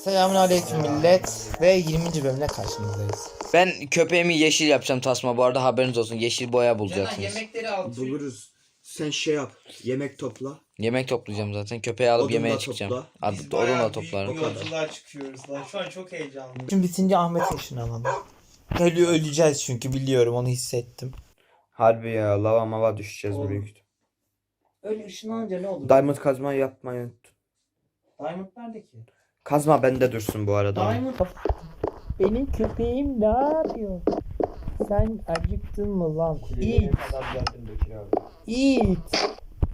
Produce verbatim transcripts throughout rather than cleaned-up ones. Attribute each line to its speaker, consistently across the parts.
Speaker 1: Selamünaleyküm millet ve yirminci bölümle karşınızdayız.
Speaker 2: Ben köpeğimi yeşil yapacağım tasma, bu arada haberiniz olsun. Yeşil boya
Speaker 3: Canan
Speaker 2: bulacaksınız.
Speaker 3: yemekleri al.
Speaker 4: Buluruz. Sen şey yap. Yemek topla.
Speaker 2: Yemek toplayacağım zaten. Köpeği alıp
Speaker 4: Odun
Speaker 2: yemeğe
Speaker 4: da
Speaker 2: çıkacağım.
Speaker 4: topla.
Speaker 2: Adı
Speaker 3: Biz
Speaker 2: odun
Speaker 3: bayağı
Speaker 2: da
Speaker 3: büyük
Speaker 2: toplarım.
Speaker 3: bir yolculuğa çıkıyoruz lan. Şu an çok heyecanlıyım.
Speaker 1: Şimdi bitince Ahmet ışınlanalım. Ölü öleceğiz çünkü biliyorum, onu hissettim.
Speaker 4: Harbi ya, lava mava düşeceğiz
Speaker 3: Oğlum.
Speaker 4: büyük ihtimal.
Speaker 3: Öyle ışınlanınca ne olur?
Speaker 4: Diamond kazma yapmayı unut.
Speaker 3: Diamond nerede ki?
Speaker 4: Kazma bende dursun bu arada.
Speaker 3: Diamond.
Speaker 1: Benim köpeğim ne yapıyor? Sen acıktın mı lan? İt. İt.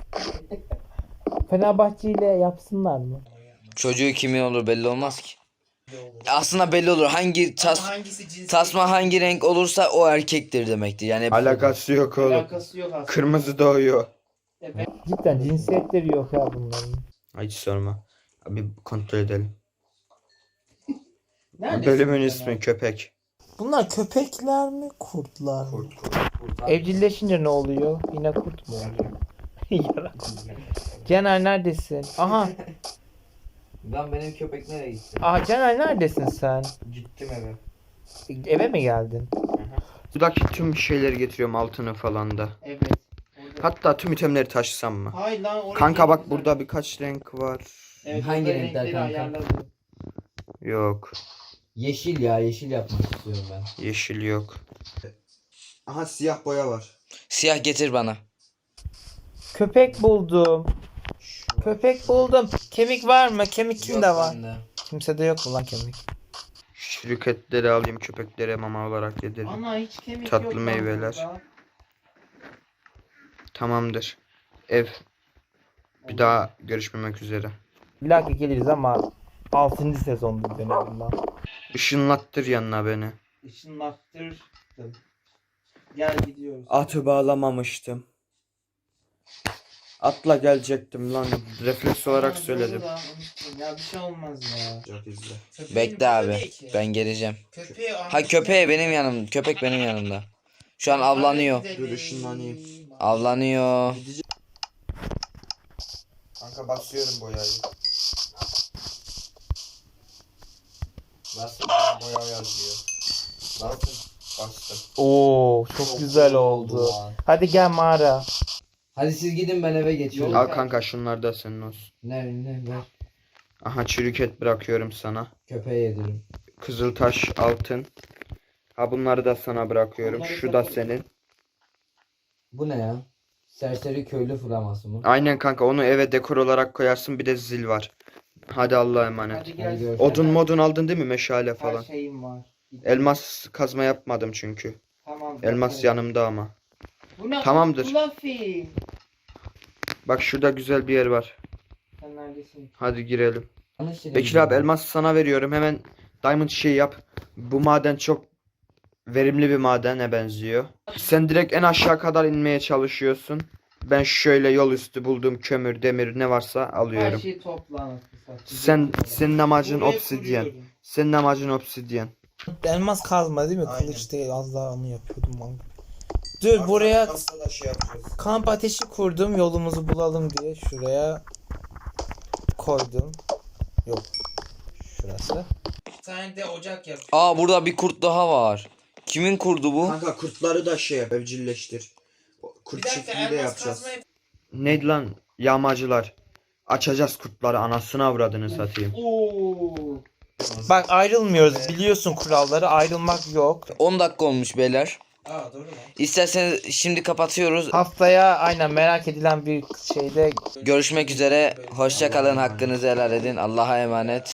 Speaker 1: Fenerbahçe ile yapsınlar mı?
Speaker 2: Çocuğu kimin olur belli olmaz ki. Aslında belli olur. Hangi tas
Speaker 3: Ama hangisi cinsiyet?
Speaker 2: tasma hangi renk olursa o erkektir demektir. Yani
Speaker 4: Alakası yok oğlum.
Speaker 3: Alakası yok aslında.
Speaker 4: Kırmızı doğuyor.
Speaker 3: Evet.
Speaker 1: Cidden cinsiyetleri yok ya bunların.
Speaker 4: Hiç sorma. Bir kontrol edelim.
Speaker 3: Neredesin
Speaker 4: Bölümün
Speaker 3: Canan?
Speaker 4: ismi köpek.
Speaker 1: Bunlar köpekler mi, kurtlar mı?
Speaker 4: Kurt, kurt, kurt.
Speaker 1: Evcilleşince ne oluyor? Yine kurt mu oluyor? Yarak. Caner neredesin? Aha.
Speaker 2: Lan benim köpek nereye gitti?
Speaker 1: Aha Caner neredesin sen?
Speaker 4: Gittim eve.
Speaker 1: Eve mi geldin?
Speaker 4: Buradaki tüm şeyleri getiriyorum, altını falan da.
Speaker 3: Evet. Orada-
Speaker 4: Hatta tüm itemleri taşısam mı?
Speaker 3: Hayır lan oraya
Speaker 4: Kanka bak,
Speaker 3: gelin
Speaker 4: burada
Speaker 3: zaten.
Speaker 4: birkaç renk var.
Speaker 3: Evet,
Speaker 2: Hangi
Speaker 3: orada
Speaker 2: renkler
Speaker 3: renkleri
Speaker 2: kanka?
Speaker 3: ayarladım.
Speaker 4: Yok.
Speaker 2: Yeşil ya, yeşil yapmak istiyorum ben.
Speaker 4: Yeşil yok. Aha, siyah boya var.
Speaker 2: Siyah getir bana.
Speaker 1: Köpek buldum. Köpek buldum. Kemik var mı? Kemik kimde var? Kimsede yok mu lan kemik?
Speaker 4: Şirketleri alayım, köpeklere mama olarak yedirelim.
Speaker 3: Ana hiç kemik
Speaker 4: Tatlı
Speaker 3: yok lan
Speaker 4: meyveler.
Speaker 3: burada.
Speaker 4: Tamamdır. Ev. Bir daha görüşmemek üzere.
Speaker 1: İlla ki geliriz ama altıncı sezonda dönelim lan.
Speaker 4: Işınlattır yanına beni.
Speaker 3: Işınlattırdım. Gel gidiyoruz.
Speaker 4: Atı bağlamamıştım. Atla gelecektim lan. Refleks olarak
Speaker 3: Aa,
Speaker 4: söyledim.
Speaker 3: doğru lan, unuttum. Ya bir şey olmaz ya. Köpeğin
Speaker 2: Bekle
Speaker 3: burada
Speaker 2: abi.
Speaker 3: değil ki.
Speaker 2: Ben geleceğim.
Speaker 3: Köpeği
Speaker 2: Ha köpeğe benim yanım. Köpek benim yanımda. Şu an avlanıyor.
Speaker 4: Dur, ışınlanayım.
Speaker 2: Avlanıyor.
Speaker 4: Kanka basıyorum boyayı. Bastım, boya yazıyor. Bastım. Bastım.
Speaker 1: Oo çok güzel oldu. Hadi gel mağara.
Speaker 2: Hadi siz gidin, ben eve geçiyorum.
Speaker 4: Al kanka, şunlar da senin olsun.
Speaker 2: Ne ne ver.
Speaker 4: Aha, çürük et bırakıyorum sana.
Speaker 2: Köpeğe yedirin.
Speaker 4: Kızıltaş, altın. Ha, bunları da sana bırakıyorum.
Speaker 3: Bunları
Speaker 4: Şu da
Speaker 3: topla.
Speaker 4: senin.
Speaker 2: Bu ne ya? Serseri köylü flaması mı?
Speaker 4: Aynen kanka, onu eve dekor olarak koyarsın, bir de zil var. Hadi Allah'a emanet.
Speaker 3: Hadi gel.
Speaker 2: Hadi
Speaker 4: Odun modun aldın değil mi, meşale
Speaker 3: Her
Speaker 4: falan?
Speaker 3: şeyim var.
Speaker 4: Elmas kazma yapmadım çünkü.
Speaker 3: Tamam.
Speaker 4: Elmas
Speaker 3: bekle.
Speaker 4: yanımda ama.
Speaker 3: Bu ne?
Speaker 4: Tamamdır.
Speaker 3: Fluffy.
Speaker 4: Bak, şurada güzel bir yer var.
Speaker 3: Sen neredesin?
Speaker 4: Hadi girelim.
Speaker 2: Yanlış yere
Speaker 4: Bekir
Speaker 2: gidiyorum.
Speaker 4: abi, elmas sana veriyorum. Hemen diamond şey yap. Bu maden çok verimli bir madene benziyor. Sen direkt en aşağı kadar inmeye çalışıyorsun. Ben şöyle yol üstü bulduğum kömür, demir ne varsa
Speaker 3: Her
Speaker 4: alıyorum.
Speaker 3: şeyi topla anasını satayım.
Speaker 4: Sen senin amacın
Speaker 3: Buraya
Speaker 4: obsidyen.
Speaker 3: kuruyorum.
Speaker 4: Senin amacın obsidyen.
Speaker 1: Elmas kazma değil mi?
Speaker 4: Aynen.
Speaker 1: Kılıç değil, az daha onu yapıyordum ben. Dur buraya kamp ateşi kurdum, yolumuzu bulalım diye şuraya koydum. Yok. Şurası.
Speaker 3: Bir tane de ocak yap.
Speaker 2: Aa, burada bir kurt daha var. Kimin kurdu bu?
Speaker 4: Kanka, kurtları da şey yap, evcilleştir. Kurt
Speaker 3: Bir dakika,
Speaker 4: çiftliği de
Speaker 3: elmas
Speaker 4: yapacağız.
Speaker 3: kazma yap.
Speaker 4: Neydi lan? Yağmacılar. Açacağız kurtları, anasını avradını satayım.
Speaker 3: Oo.
Speaker 1: Bak ayrılmıyoruz, biliyorsun kuralları, ayrılmak yok.
Speaker 2: on dakika olmuş beyler.
Speaker 3: Aa doğru lan.
Speaker 2: İsterseniz şimdi kapatıyoruz.
Speaker 1: Haftaya aynen merak edilen bir şeyde
Speaker 2: Görüşmek üzere. Hoşça kalın. Hakkınızı helal edin. Allah'a emanet.